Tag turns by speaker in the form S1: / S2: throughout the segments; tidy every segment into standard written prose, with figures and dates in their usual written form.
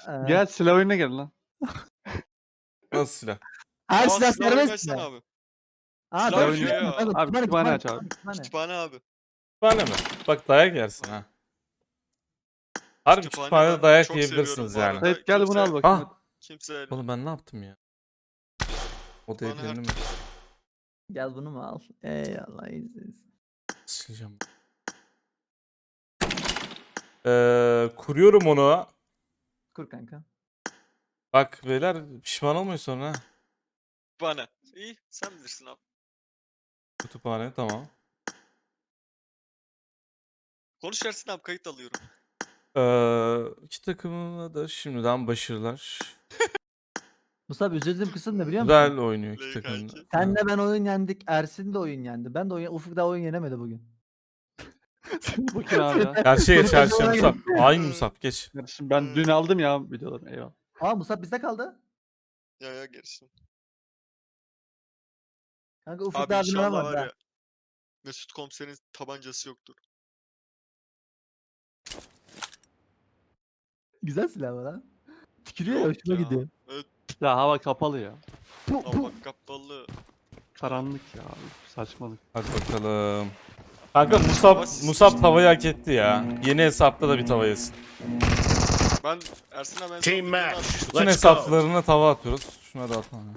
S1: Gel silah oyununa gel lan.
S2: Nasıl silah?
S3: Her
S4: Aa,
S3: silah
S4: silah
S3: serbest
S4: oynasana
S3: mi?
S4: abi.
S3: Aa
S4: Silah
S3: tabii
S1: oynuyor
S3: silah
S4: ya.
S3: mı? Tabii,
S1: Abi, kütüphane aç abi.
S4: Kütüphane abi.
S2: Kütüphane mi? Bak dayak yersin ha. Harbi
S4: Kütüphane
S2: kütüphanede
S4: ben
S2: dayak
S4: çok
S2: yiyebilirsiniz
S4: seviyorum bu
S2: yani.
S4: arada.
S1: Sait gel bunu al
S4: Kimse-
S1: bakayım.
S2: Ah!
S4: Kimse
S2: Oğlum ben ne yaptım ya? O da
S4: Bana
S2: evlendi
S4: her
S2: mi?
S3: Gel bunu mu al? Eyvallah iyiyiz.
S2: Sileceğim. Kuruyorum onu.
S3: Kur kanka.
S2: Bak beyler pişman olmayın sonra ha.
S4: bana. İyi sen bilirsin abi.
S2: Kütüphane tamam.
S4: Konuş Ersin abi kayıt alıyorum.
S2: İki takımına da şimdiden başarılar.
S3: Musab üzüldüğüm kısım ne biliyor musun?
S2: Güzel oynuyor iki
S4: Play
S2: takım.
S4: kanki.
S3: Senle ben oyun yendik. Ersin de oyun yendi. Ben de oyun... Ufuk da oyun yenemedi bugün.
S1: Bu kim abi ya?
S2: Karşıya geç
S3: Senin
S2: karşıya
S3: takımına
S2: Musab. Aynı Musab geç.
S1: Kardeşim ben dün aldım ya videoları. Eyvallah.
S3: Aa Musab bizde kaldı.
S4: Ya gerisi.
S3: Kanka Ufuk
S4: Abi
S3: daha
S4: inşallah
S3: dinlemez
S4: var
S3: ha.
S4: ya. Mesut komiserin tabancası yoktur.
S3: Güzel silah var ha. Tükürüyor ya
S4: Yok
S3: hoşuma
S4: ya.
S3: gidiyor.
S4: Evet
S1: Ya hava kapalı ya.
S4: hava kapalı.
S1: Karanlık ya. Saçmalık.
S2: Hadi bakalım. Kanka Musab tavayı hak etti ya. Yeni hesapta da bir tava yesin.
S4: Ben Ersin abi ben
S5: Team
S4: sana
S5: match.
S4: atmıştım.
S2: Bütün
S5: Let's go.
S2: hesaplarına tava atıyoruz. Şuna da atalım.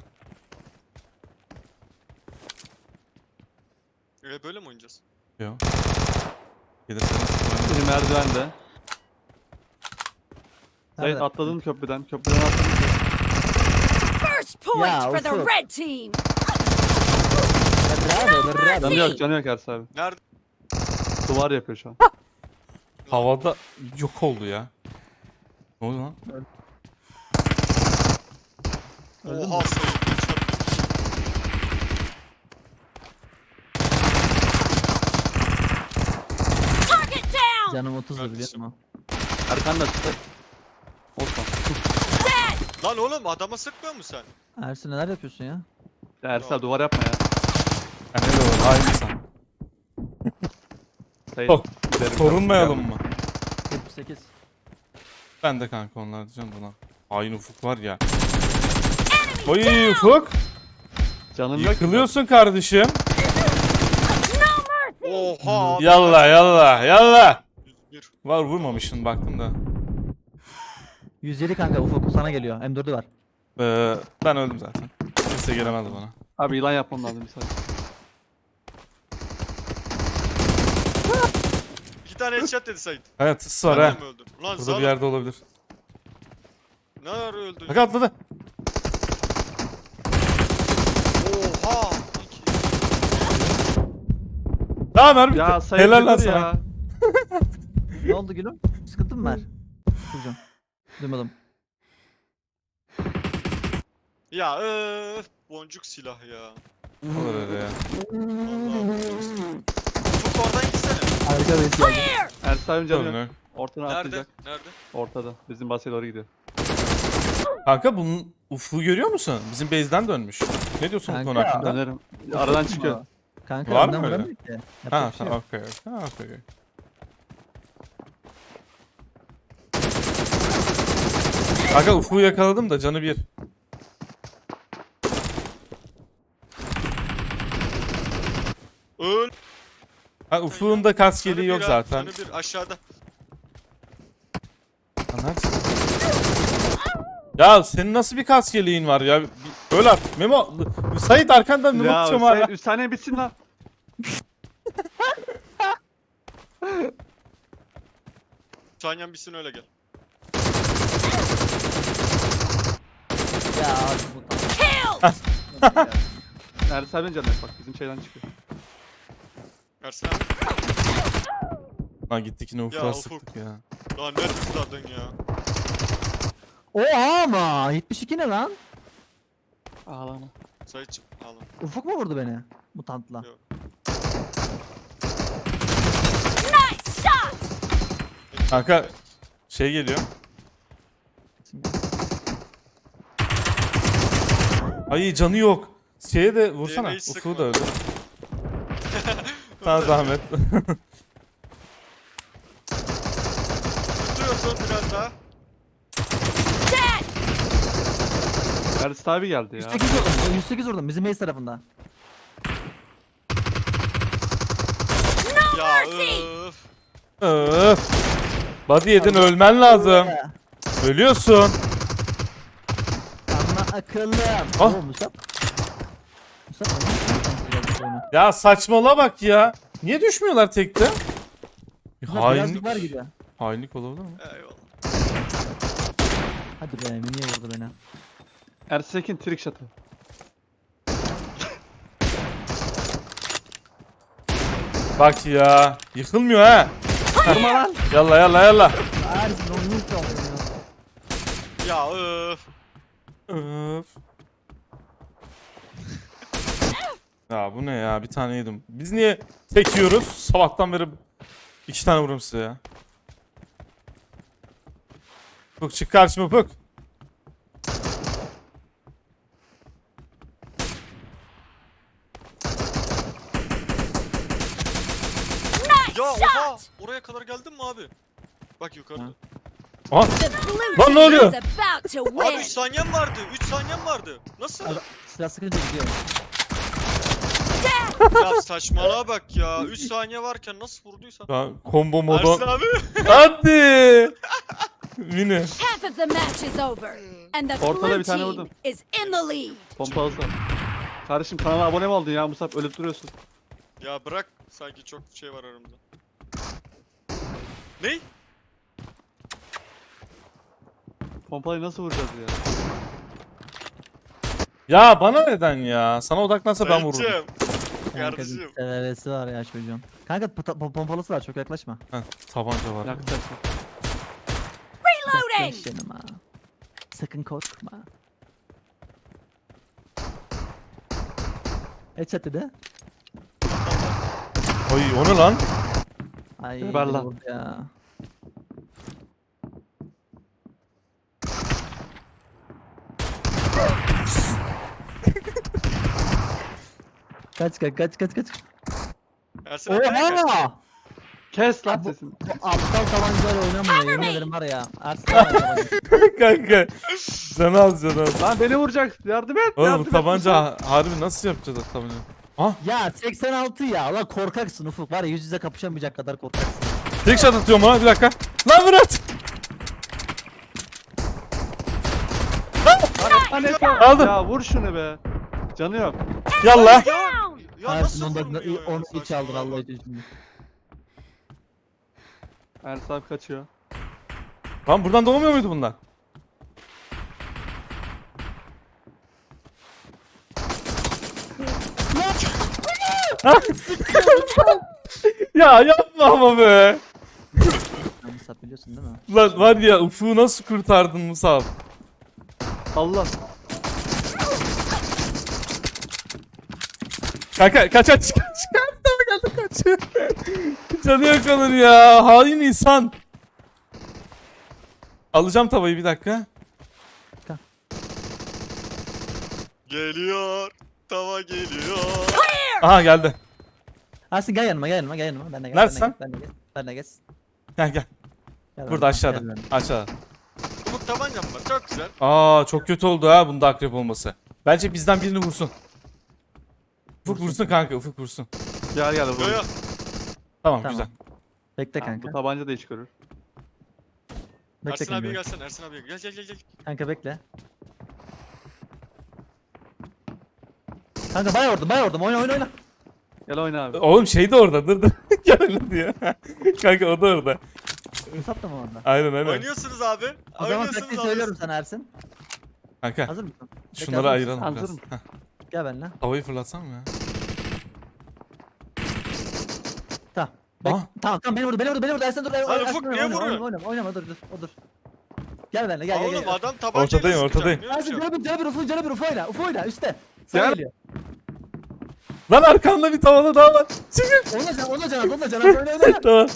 S4: Böyle mi oynayacağız?
S2: Yok. Gelirsen.
S1: Biri merdivende. Sait
S3: Nerede?
S1: atladın köprüden. Köprüden atladın.
S6: First point
S3: Yeah,
S6: for the
S3: also-
S6: red team.
S3: Bravo.
S1: Canı yok canı yok Ersin abi.
S4: Nerede?
S1: Duvar yapıyor şu an.
S2: Havada yok oldu ya. Ne oldu lan?
S3: Öldün
S4: Oha
S3: mü?
S4: sayı.
S6: Target down.
S3: Canım 30
S4: Kardeşim.
S3: biliyor musun?
S1: Arkanda çıktı. Olsun.
S4: Lan oğlum adama sıkmıyor musun sen?
S3: Ersin neler yapıyorsun ya?
S1: Ya Ersin abi duvar yapma ya.
S2: Ha, ne de var? Aynı insan.
S1: Sait.
S2: Oh,
S1: giderim.
S2: Korunmayalım mı?
S3: 78.
S2: Ben de kanka onlar diyeceğim buna. Aynı Ufuk var ya. Oy Ufuk.
S1: Canım yok.
S2: Yıkılıyorsun kardeşim.
S4: Oha.
S2: Yallah yallah yallah.
S4: 101.
S2: Var vurmamışsın baktım da.
S3: 107 kanka Ufuk sana geliyor. M4'ü var.
S2: Ben öldüm zaten. Kimse gelemedi bana.
S1: Abi yılan yapmam lazım bir saniye.
S4: 2 tane headshot dedi Sait.
S2: Evet tıs var
S4: Ben
S2: ha.
S4: de mi öldüm? Lan
S2: Burada
S4: Zalo.
S2: bir yerde olabilir.
S4: Ne ara öldün?
S2: Bak atladı.
S4: Oha.
S2: Tamam mermi
S1: Ya
S2: bitti.
S1: Sait
S2: Helal lan
S1: yıkıldı
S2: sana.
S1: ya.
S3: Ne oldu gülüm? Sıkıntı mı var? Kurcan. Duymadım.
S4: Ya boncuk silah ya.
S2: Olur öyle ya.
S4: Vallahi boncuk silah. Ufuk oradan gitsene.
S3: Harika bir his geldi.
S6: Clear.
S1: Ersin abi canı
S2: Sorun
S1: yok.
S2: yok.
S1: Ortadan
S4: Nerede?
S1: atlayacak.
S4: Nerede?
S1: Ortada. Bizim basaya doğru gidiyor.
S2: Kanka bunun Ufuk'u görüyor musun? Bizim base'den dönmüş. Ne diyorsun bu konu
S3: Kanka,
S2: hakkında?
S1: Dönerim. Aradan çıkıyor.
S3: Kanka
S2: Var
S3: önden
S2: mı öyle?
S3: vuramıyor ki. Yapacak
S2: Ha
S3: bir şey yok.
S2: tamam okey. Ha okey. Kanka Ufuk'u yakaladım da canı bir.
S4: Öl.
S2: Ha Ufuk'un da kas
S4: Canı
S2: yeleği
S4: bir
S2: yok
S4: ha,
S2: zaten.
S4: Canı bir aşağıda.
S2: Lan neredesin? Ya senin nasıl bir kas yeleğin var ya? Öl artık. Memo. Sait arkanda Memo
S1: Ya
S2: tutuyorum hala.
S1: Sait 3 saniye bitsin lan.
S4: Sanyan bitsin öyle gel.
S3: Ya abi bu
S6: Killed.
S1: Ersin abinin canı yok bak bizim şeyden çıkıyor.
S4: Ersin abi.
S2: Lan gittik yine Ufuk'a
S4: Ya
S2: sıktık ya.
S4: Lan ne tuzladın ya?
S3: Oha ama 72 ne lan?
S1: Ağlama.
S4: Saitçim alın.
S3: Ufuk mu vurdu beni? Mutantla.
S4: Yok.
S6: Nice shot.
S2: Kanka şey geliyor. Ay canı yok. Şeye de vursana.
S4: Diğerine hiç
S2: Ufuk'u
S4: sıkma.
S2: da öldür. Sana zahmet.
S4: Tutuyorsun biraz daha.
S1: Ersin abi geldi ya.
S3: 108 vurdum. 108 vurdum bizim base tarafında.
S4: Ya
S6: mercy.
S4: öf.
S2: Öf. Body yedin ölmen lazım. Ölüyorsun.
S3: Ama akıllım.
S2: Ah.
S3: Oo Musab. Musab oyunu.
S2: Ya saçmala bak ya. Niye düşmüyorlar tekte? Bir
S3: Musab
S2: hainlik,
S3: birazcık var gibi.
S2: hainlik olabilir mi?
S4: Eyvallah.
S3: Hadi be niye vurdu beni?
S1: Ersekin trick shot'ı.
S2: Bak ya. Yıkılmıyor ha.
S1: Vurma lan.
S2: Yalla yalla yalla.
S3: Ersin onu yut ya.
S4: Ya öf.
S2: Öf. Ya bu ne ya? Bir tane yedim. Biz niye tek yiyoruz? Sabahtan beri 2 tane vururum size ya. Puk çık karşıma Puk.
S6: Nice
S4: Ya oha.
S6: shot.
S4: Oraya kadar geldin mi abi? Bak yukarıda.
S2: Aha.
S6: The blue
S2: Lan ne
S6: team
S2: oluyor?
S6: is about to
S4: Abi
S6: win.
S4: 3 saniyem vardı. 3 saniyem vardı. Nasıl?
S3: Abi, silah sıkınca gidiyor.
S4: Ya saçmalığa bak ya. 3 saniye varken nasıl vurduysan.
S2: Ya, combo
S4: Ersin
S2: modu.
S4: abi.
S2: Hadi. Mini.
S6: Half of the match is over. And the
S1: Ortada
S6: blue
S1: bir tane
S6: team
S1: vurdum.
S6: is in the lead.
S1: Pompalısı. Kardeşim kanala abone mi oldun ya Musab? Ölüp duruyorsun.
S4: Ya bırak. Sanki çok şey var aramda. Ney?
S1: Pompalıyı nasıl vuracağız ya?
S2: Ya bana neden ya? Sana odaklansa ben vururum.
S4: Sayıcım.
S3: Kanka
S4: Kardeşim.
S3: bir severesi var ya çocuğun. Kanka pompalısı var çok yaklaşma.
S2: Heh, tabanca var.
S1: Yaklaşık.
S6: Reloading.
S3: Yaklaş yanıma. Sakın korkma. Headshot dedi.
S2: Oy o ne lan?
S3: Ay
S1: Ver
S3: beni
S1: lan.
S3: vurdu ya. Kaç kaç.
S4: Ersin abi. kaç.
S3: Oha!
S1: Kes lan
S3: Bu-
S1: sesini.
S3: Bu aptal tabancayla oynamıyor
S6: Cover
S3: yemin
S6: me.
S3: ederim var ya. Ersin tabanca.
S2: Kanka. Canı al canı al.
S1: Lan beni vuracak. Yardım et.
S2: Oğlum
S1: yardım
S2: bu
S1: et.
S2: tabanca harbi nasıl yapacağız o tabanca? Ah,
S3: Ya 86 ya. Lan korkaksın Ufuk var ya yüz yüze kapışamayacak kadar korkaksın.
S2: tek shot atıyorum ona bir dakika. Lan Murat.
S1: Lan et
S2: Aldım.
S1: Ya vur şunu be. Canı yok.
S2: Yallah.
S6: Down.
S4: Ya
S3: Ersin
S4: nasıl
S3: ondan
S4: vurmuyor ya?
S3: onu iç aldır
S4: Saçmalığa
S3: Allah
S4: bak.
S3: için şimdi.
S1: Ersin abi kaçıyor.
S2: Lan buradan doğmuyor muydu bunlar? Ya yapma ama be.
S3: Sen Musab biliyorsun değil mi?
S2: Lan var ya Ufuk'u nasıl kurtardın Musab?
S1: Allah.
S2: Kanka kaç kaç kaç geldi kaç. Canı yok onun ya. Hain insan. Alacağım tavayı bir dakika.
S4: Geliyor. Tava geliyor.
S2: Aha geldi.
S3: Ersin gel yanıma. Ben de gel.
S2: Neredesin?
S3: Ben de geç.
S2: Gel gel.
S3: Gel
S2: Burada
S3: bana,
S2: aşağıda.
S3: gel bana.
S2: Aşağıda.
S4: Umut tabancam var. Çok güzel.
S2: Aa çok kötü oldu ha bunda akrep olması. Bence bizden birini vursun. Ufuk vursun kanka Ufuk vursun.
S1: Gel
S4: Yo
S1: vur.
S4: yo.
S2: Tamam,
S3: Tamam.
S2: güzel.
S3: Bekle
S1: Bu
S3: kanka.
S1: tabanca da iş görür.
S3: Bekle
S4: Ersin abiye
S3: kanka.
S4: gelsene. Ersin abiye gel.
S3: Kanka bekle. Kanka bay vurdum. Oyna.
S1: Gel oyna abi.
S2: Oğlum şey de orada dur. Gel öyle diyor. Kanka o da orada.
S3: Musab da mı orada?
S2: Aynen aynen.
S4: Oynuyorsunuz abi.
S3: O zaman
S4: Oynuyorsunuz
S3: taktiği
S4: abi.
S3: söylüyorum sana Ersin.
S2: Kanka
S3: Hazır mısın? Bekle,
S2: şunları
S3: hazır
S2: ayıralım
S1: Hazır
S2: biraz.
S1: mısın?
S2: Heh,
S3: Gel benimle.
S2: havayı fırlatsam mı ya?
S3: Tamam.
S2: Ah.
S3: Tamam beni vurdu. Ersin dur.
S4: Lan
S3: Ersin,
S4: Ufuk, niye vuruyor?
S3: Oynama dur. Gel benimle gel.
S4: Oğlum adam tabancayla
S2: Ortadayım,
S4: sıkacak.
S2: ortadayım.
S4: Ne
S3: Ersin
S4: yapacağım?
S3: canı bir Ufuk oyna üstte. Sana
S1: Gel.
S3: geliyor.
S2: Lan arkamda bir tavada daha var. Çıkın.
S3: Onunla can oyna.
S2: Tamam.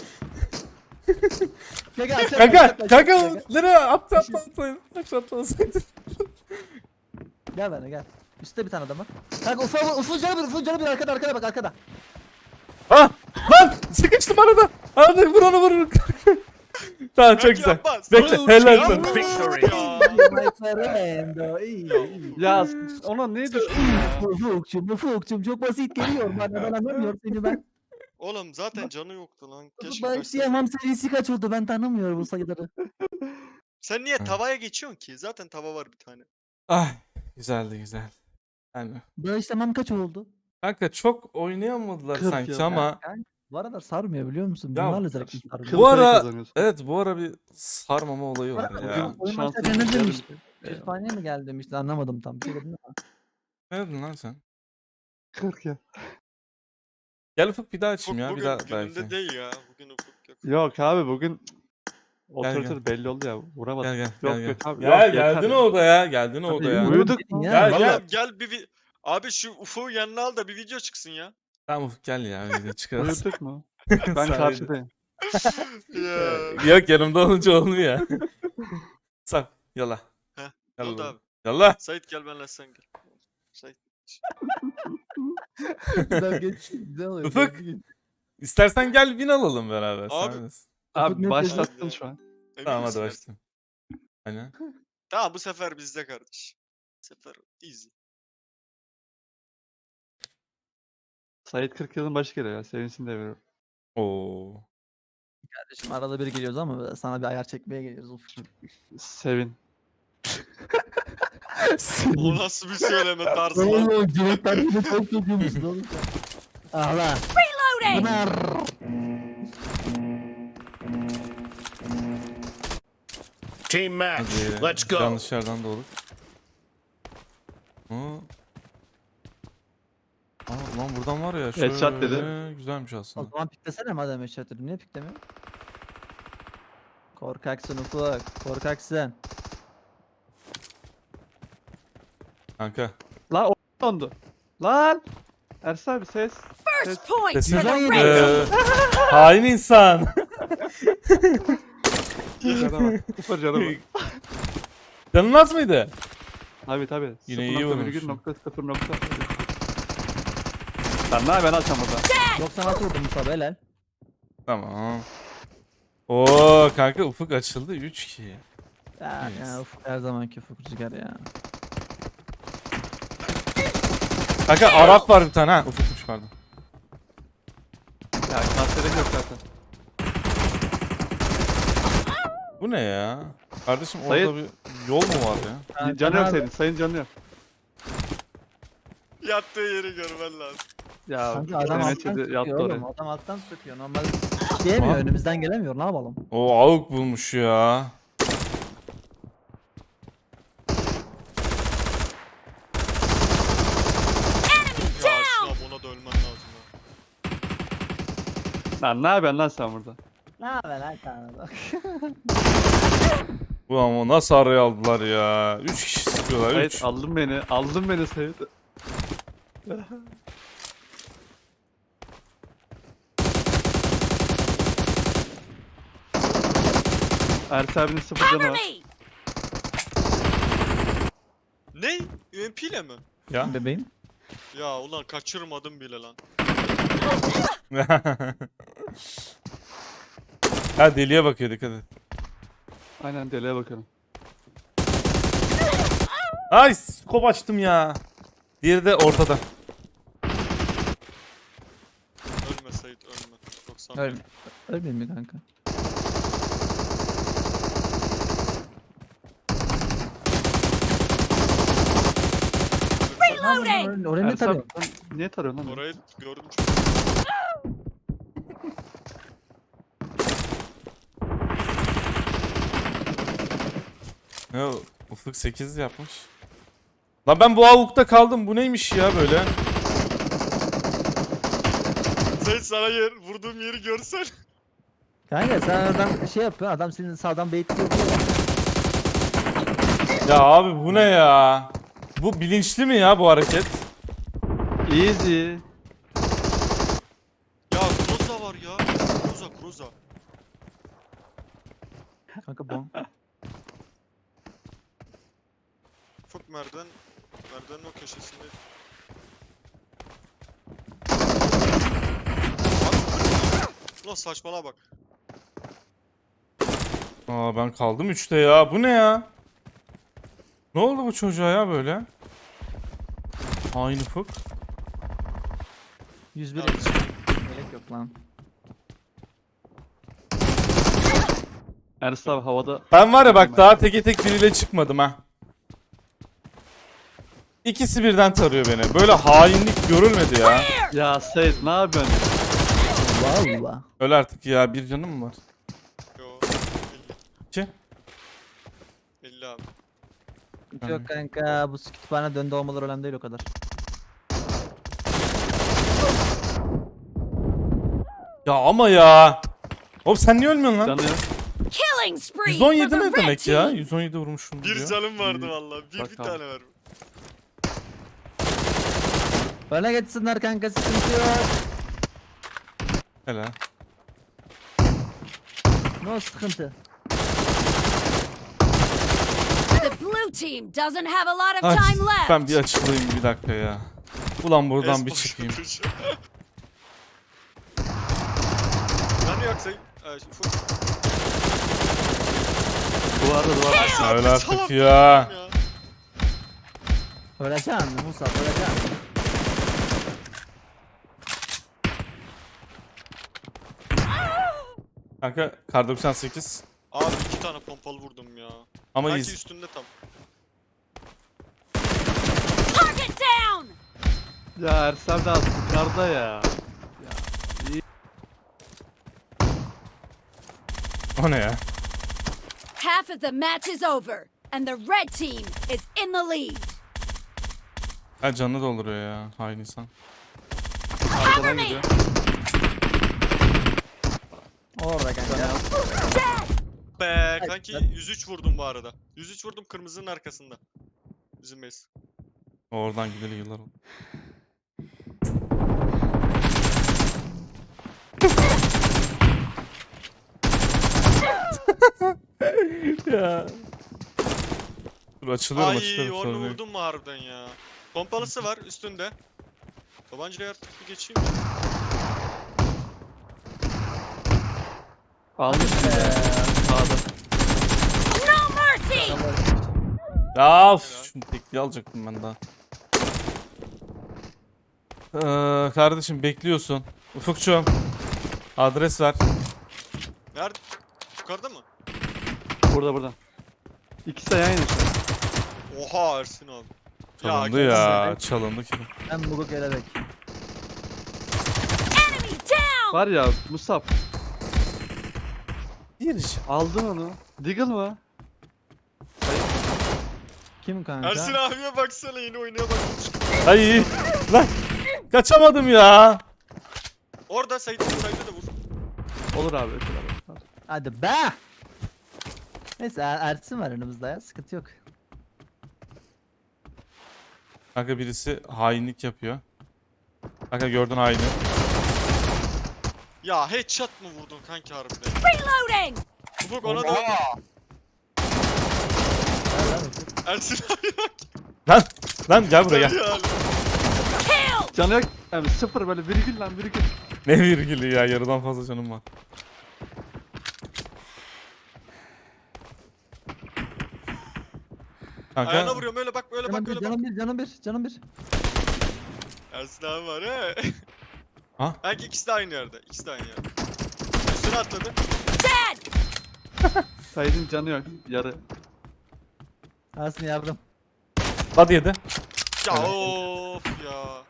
S3: Gel aşağı,
S2: Kanka
S3: aşağı,
S2: kanka
S3: aşağı.
S2: nereye atlasaydın? Aşağı atlasaydın.
S3: Gel benimle gel. Üstte bir tane adam var. Kanka Ufuk canı bir arkada bak arkada.
S2: Ah lan sıkıştım arada. Hadi vur onu vur. Tamam çok
S4: Bırak
S2: güzel.
S4: yapma,
S2: Bekle
S4: sana
S2: helal
S4: uçuyor.
S2: sana.
S4: Victory.
S3: my friend. İyi.
S1: Ya ona ne düştün ya?
S3: Ufukçum çok basit geliyor bana ben anlamıyorum seni ben.
S4: Oğlum zaten canı yoktu lan. Keşke
S3: Ufuk
S4: kaçsa.
S3: başlayamam serisi kaç oldu ben tanımıyorum bu sayıları.
S4: Sen niye tavaya geçiyorsun ki? Zaten tava var bir tane.
S2: Ay güzeldi güzel. Yani
S3: Bağışlamam kaç oldu?
S2: kanka çok oynayamadılar
S1: 40
S2: sanki
S1: yıl.
S2: ama
S3: Bu aralar sarmıyor biliyor musun?
S2: Ya,
S3: Bunlarla zevkli sarmıyor.
S1: Kıl
S2: bu
S1: payı
S2: ara
S1: kazanıyorsun.
S2: evet bu ara bir sarmama olayı var
S3: Bugün
S2: ya.
S3: oyun
S1: Şanslı
S3: başlarken ne
S1: bir
S3: demişti?
S1: yer.
S3: Kütüphaneye mi geldi demişti anlamadım tam. Bir şey dedin ama.
S2: Ne dedin lan sen?
S1: 40 ya.
S2: Gel Ufuk bir daha
S4: Ufuk
S2: açayım ya bir
S4: bugün
S2: daha
S4: gününde
S2: belki.
S4: değil ya. Bugün Ufuk yok.
S1: Yok abi bugün
S2: gel.
S1: otoriter belli oldu ya. Vuramadım.
S2: Gel
S1: Yok
S2: gel
S1: yok
S2: gel.
S1: abi.
S2: Ya
S1: yok, yeter
S2: geldin
S1: ya.
S2: odaya geldin
S1: Tabii,
S2: odaya.
S1: uyuduk mu?
S2: Gel,
S3: Vallahi-
S2: gel.
S4: Gel bir abi şu Ufuk'u yanına al da bir video çıksın ya.
S2: Tamam Ufuk gel ya öyle çıkarız.
S1: Uyuduk mu? Ben
S2: Sadece.
S1: karşıdayım.
S4: Ya.
S2: Yok yanımda olunca olmuyor. Sap yala.
S4: Heh, Ne oldu
S2: Yallah.
S4: abi?
S2: Yallah.
S4: Sait gel benimle sen gel. Sait.
S3: Güzel geçti. Güzel oluyor.
S2: Ufuk.
S3: güzel geçti.
S2: İstersen gel bin alalım beraber.
S4: Abi.
S2: Abi.
S1: Abi
S3: ne
S1: başlattın
S4: diyorsun?
S1: şu an.
S4: Emin
S2: Tamam hadi
S4: misin?
S2: başlayalım. Aynen.
S4: Tamam bu sefer bizde kardeş. Bu sefer easy.
S1: Sait 40 yılın başı geliyor ya. Sevinsin de veriyorum.
S2: Oo.
S3: Kardeşim arada bir geliyoruz ama sana bir ayar çekmeye geliyoruz Ufuk'cum.
S1: Sevin.
S4: O nasıl bir söyleme tarzı lan?
S3: Oğlum Cüneyt'ten beni çok kötüymüşsün oğlum sen. Ağla.
S6: Reloading!
S3: Pınar.
S5: Team match.
S2: Hadi.
S5: Let's go.
S2: Yanlış yerden doğru. Lan buradan var ya şöyle.
S1: Headshot dedi.
S2: Güzelmiş
S3: O
S2: aslında.
S3: zaman piklesene madem eşya dedim. Niye piklemiyor? Korkaksın Ufuk. Korkaksın.
S2: Kanka.
S1: Lan o dondu. Lan. Ersin abi ses.
S6: First point
S2: Sesin-
S6: for the
S3: Güzel
S6: red
S3: yedi.
S2: Hain insan.
S1: Cana bak. Sıfır cana bak.
S2: Canın az mıydı?
S1: Tabi tabi.
S2: Yine iyi vurmuşsun.
S1: 0.0. Lan ne ben açam burada.
S3: 96 vurdum Musa helal.
S2: Tamam. Oo kanka ufuk açıldı 3-2.
S3: Ya,
S2: Yes.
S3: ya Ufuk her zamanki Ufuk Rüzgar ya.
S2: Kanka Arap var bir tane ha. Ufukmuş pardon.
S1: Ya kanserim yok zaten.
S2: Bu ne ya? Kardeşim
S1: Sayın-
S2: orada bir yol mu var ya?
S1: Canı yok senin. Sayın canı yok.
S4: Yattığı yeri görmen lazım.
S1: Ya
S3: Kanka adam
S1: Mehmet
S3: alttan
S1: Çetin
S3: sıkıyor
S1: yattı
S3: oğlum.
S1: oraya.
S3: Adam alttan sıkıyor. Normal diyemiyor.
S2: Aa.
S3: Önümüzden gelemiyor. Ne yapalım?
S2: O avuk bulmuş ya.
S4: Ya Ersin abi ona da ölmen lazım ya.
S1: Lan ne yapıyorsun lan sen burada?
S3: Ne haber lan kanka?
S2: Bu ama nasıl araya aldılar ya? 3 kişi sıkıyorlar 3.
S1: Sait aldın beni. Aldın beni Sait. Ersin abinin 0 canı
S6: Cover
S1: var.
S6: me!
S4: Ne? UMP ile mi?
S2: Ya.
S3: Bebeğim.
S4: Ya ulan kaçırmadım bile lan.
S2: Ha deliye bakıyor dikkat et.
S1: Aynen deliğe bakalım.
S2: Ay skop açtım ya. Diğeri de ortada.
S4: Ölme Sait ölme. 90.
S3: Öl. Ölmeyeyim mi kanka?
S6: Reloading!
S3: Oraya ne
S1: Ersin
S3: tarıyor?
S1: abi sen niye tarıyorsun lan? beni?
S4: Orayı gördüm çok.
S2: Ya Ufuk 8 yapmış. Lan ben bu avukta kaldım. Bu neymiş ya böyle?
S4: Sait sana vurduğum yeri görsen.
S3: Kanka sen adam şey yapıyor. Adam senin sağdan baitliyor.
S2: Ya abi bu ne ya? Bu bilinçli mi ya bu hareket?
S1: Easy.
S4: Ya Kroza var ya. Kroza.
S3: Kanka bon.
S4: Çok merdivenin o köşesinde. Ulan saçmalama bak.
S2: Aa ben kaldım 3'te ya. Bu ne ya? Ne oldu bu çocuğa ya böyle? Aynı Ufuk.
S3: 101
S4: Abi.
S3: gerek yok lan.
S1: Ernst abi havada.
S2: Ben var ya bak daha teke tek biriyle çıkmadım ha. İkisi birden tarıyor beni. Böyle hainlik görülmedi ya.
S1: Ya Seyit ne yapıyorsun?
S3: Valla.
S2: Öl artık ya, bir canım mı var?
S4: Yo.
S2: 2.
S4: 50 abi.
S3: Yok kanka bu kütüphane döndü olmaları önemli değil o kadar.
S2: Ya ama ya. Oğlum sen niye ölmüyorsun lan?
S1: Canı yok.
S6: Killing spree for
S2: 117
S6: the
S2: ne
S6: red
S2: demek ya?
S6: team.
S2: 117 vurmuşum
S4: Bir
S2: diyor.
S4: canım vardı vallahi. Bir
S1: Bak abi.
S4: tane var.
S3: Öne geçsinler kanka sıkıntı yok.
S2: Hele.
S3: No sıkıntı.
S6: The blue team doesn't have a lot of
S2: Ay,
S6: time left.
S2: ben bir açılayım bir dakika ya. Ulan buradan bir
S4: Espor
S2: çıkayım.
S4: yapıyor. Ben yoksa Ufuk.
S1: Duvarda.
S2: Öyle artık
S4: Salak
S2: ya.
S4: ya.
S3: Öleceksin Musa öleceksin.
S2: Kanka kar 98.
S4: Abi 2 tane pompalı vurdum ya.
S2: Ama
S4: Belki
S2: iz.
S4: üstünde tam.
S6: Target down.
S1: Ya Ernst abi de az yukarıda ya.
S2: O ne ya?
S6: Half of the match is over, and the red team is in the lead.
S2: Ha canını dolduruyor ya. Hain insan.
S1: Arkadan gidiyor.
S3: Orada kanka.
S4: Be
S3: Ay,
S4: kanki
S3: ben-
S4: 103 vurdum bu arada. 103 vurdum kırmızının arkasında. Bizim base.
S2: Oradan gideli yıllar oldu. ya. Dur açılıyorum
S4: Ay
S2: açılıyorum
S4: onu
S2: sorun yok.
S4: vurdum mu harbiden ya. Pompalısı var üstünde. Tabancayı artık bir geçeyim.
S1: Almış ya. Sağda.
S6: No mercy.
S2: Ya of, şunu tekliği alacaktım ben daha. Kardeşim bekliyorsun. Ufukçuğum. Adres ver.
S4: Nerede? Yukarıda mı?
S1: Burada. İkisi de yan yana.
S4: Oha Ersin abi.
S2: Çalındı ya. Çalındı ki.
S3: Ben Muguk kelebek.
S6: Enemy down.
S1: Var ya Musab.
S2: Bir iş.
S1: Aldın onu. Deagle mı?
S3: Kim kanka?
S4: Ersin abiye baksana yeni oynaya bakmış.
S2: Ay lan. Kaçamadım ya.
S4: Orada Sait'e de vur.
S1: Olur abi. Ötür abi.
S3: Hadi be. Neyse Ersin var önümüzde ya sıkıntı yok.
S2: Kanka birisi hainlik yapıyor. Kanka gördün haini.
S4: Ya headshot mı vurdun kanki harbiden?
S6: Reloading.
S4: Ufuk ona da
S3: Ver lan Ufuk.
S4: Ersin abi bak.
S2: Lan gel buraya gel.
S4: Ya.
S6: Kill.
S1: Canı yok. Yani sıfır böyle virgül lan virgül.
S2: Ne virgülü ya, yarıdan fazla canım var.
S4: Ayağına
S2: Kanka
S4: vuruyorum öyle bak böyle bak
S3: Canım bir,
S4: böyle bak.
S3: canım bir.
S4: Ersin abi var he.
S2: Ha?
S4: Belki ikisi de aynı yerde. İkisi de aynı yerde. Üstüne atladı.
S6: Dead.
S1: Said'in canı yok. Yarı.
S3: Ersin yardım.
S2: hadi yedi.
S4: Ya
S2: Evet.
S4: of ya.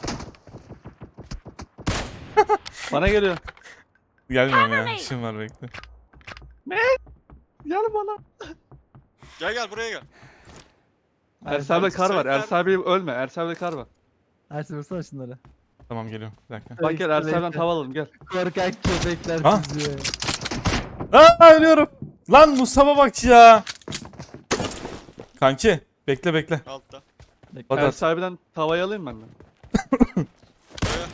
S1: Bana geliyor.
S2: Gelmiyorum ya, işim var bekle.
S1: Gel bana.
S4: Gel buraya gel.
S1: Ernst abi'de kar var.
S4: Sen-
S1: Ernst abi ölme. Ernst abi'de kar var.
S3: Ersin vursana şunları.
S2: Tamam geliyorum, bir dakika.
S1: Bak gel Ernst abi'den
S3: Bekle.
S1: tava alalım gel.
S3: Korkak köpekler
S2: Ha?
S3: sizi.
S2: Ölüyorum. Lan Musab'a bak ya. Kanki bekle.
S4: Altta.
S2: Hadi at.
S1: Ernst abi'den tavayı alayım ben de.
S4: Buraya.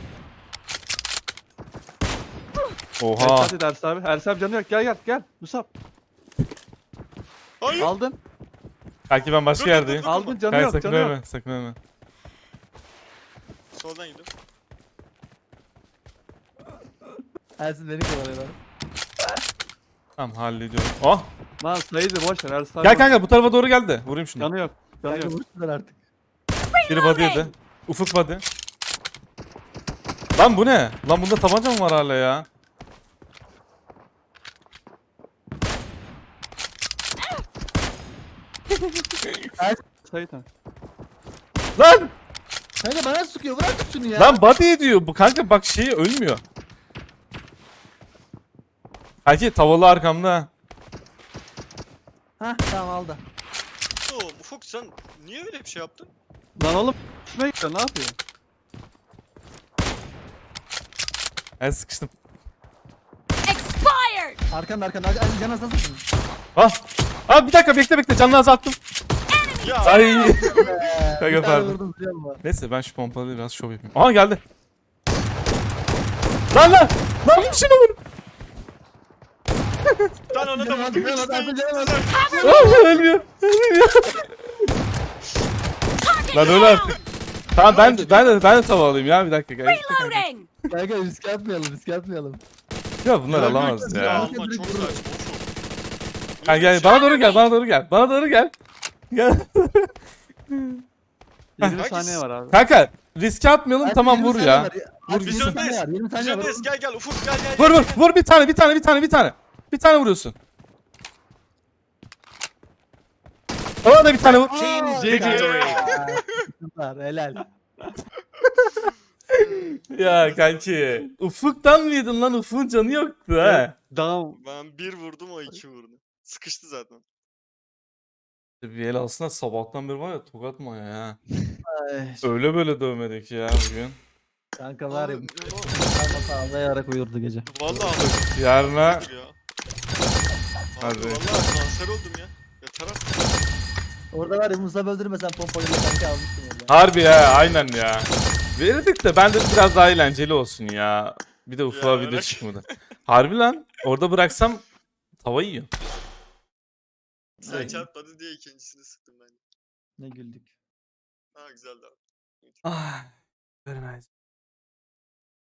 S2: Oha.
S1: Hadi Ernst abi. Ernst abi canı yok. Gel. Musab.
S4: Hayır.
S1: Aldın.
S2: Kanki ben başka
S4: Dur,
S2: yerdeyim.
S4: dur, dur.
S1: Aldın canı
S2: Kanki
S1: yok.
S2: sakın
S1: Canı yok.
S2: ölme, sakın ölme.
S4: Soldan gidiyorum.
S3: Ersin beni kovalıyor lan.
S2: Tamam hallediyorum. Oh.
S1: Lan Said'i boş ver. Ersin abi.
S2: Gel kanka bu tarafa doğru geldi. Vurayım şunu.
S1: Canı yok. Canı
S3: Kanka
S1: yok.
S3: vursunlar artık.
S2: Biri body yedi. Ufuk body. Lan bu ne? Lan bunda tabanca mı var hala ya?
S1: Sait ha.
S2: Lan!
S3: Kanka bana sıkıyor. Bırak şunu ya.
S2: Lan body ediyor. Bu kanka bak şeyi ölmüyor. Kanki tavalı arkamda.
S3: Hah tamam aldı.
S4: Oğlum Ufuk sen niye öyle bir şey yaptın?
S1: Lan oğlum üstüne gidiyor. Ne yapıyor?
S2: Ben sıkıştım.
S6: Expired!
S3: Arkanda arkanda. Ay can nasıl sıkın?
S2: Ah! Ah bir dakika bekle canını azalttım.
S4: Ya
S2: Ay.
S3: Bir tane
S2: pardon.
S3: vurdum biliyor musun?
S2: Neyse ben şu pompalı biraz şov yapayım. Aha geldi. Lan! Lan şunu vur.
S4: ben ona da
S3: Canım
S4: vurdum.
S3: canım
S4: İkisi de
S3: canım,
S4: ikisi
S3: canım.
S4: de.
S2: Ah, ölmüyor. Lan öyle artık. Tamam ben de tava alayım ya bir dakika.
S6: Reloading!
S3: Kanka riske atmayalım.
S2: Ya bunlar alamaz
S4: Ya
S2: ya.
S4: alma çok saçma Ufuk.
S2: Gel bana doğru gel. Gel.
S1: 20 saniye var abi.
S2: Kanka riske atmayalım
S3: Hadi
S2: tamam
S3: 20
S2: vur
S3: saniye
S2: ya.
S3: var.
S2: Vur
S3: Hadi
S4: Biz
S3: 20
S2: gitsin.
S3: saniye var. 20
S4: Biz
S3: saniye var.
S4: öndeyiz gel Ufuk gel.
S2: Vur bir tane. Ona da bir tane vur.
S3: Aa,
S5: Victory.
S3: Süper helal.
S2: Ya kanki. Ufuk'tan mı yedin lan? Ufuk'un canı yoktu ha.
S1: Down.
S4: Ben bir vurdum o iki vurdu. Sıkıştı zaten.
S2: Bir el aslında sabahtan beri var ya tokat mı ya.
S3: Ay,
S2: Öyle böyle dövmedik ya bugün.
S3: kanka var ya.
S4: Abi,
S3: Kalmasa ağlayarak uyurdu gece.
S4: Vallahi
S2: Yarına
S4: ya. Abi
S2: Hadi.
S4: vallahi kanser oldum ya. Yeter artık.
S3: Orada var ya Musa öldürmesen pompayla kanka almıştım orada.
S2: harbi ya aynen ya. Verirdik de ben de biraz daha eğlenceli olsun ya. Bir de Ufuk'a
S4: Ya,
S2: video
S4: bırak.
S2: çıkmadı. Harbi lan orada bıraksam tava yiyor.
S4: Sen çarpmadı diye ikincisini sıktım ben.
S3: Ne güldük.
S4: Ha güzeldi abi.
S2: Ah, very nice.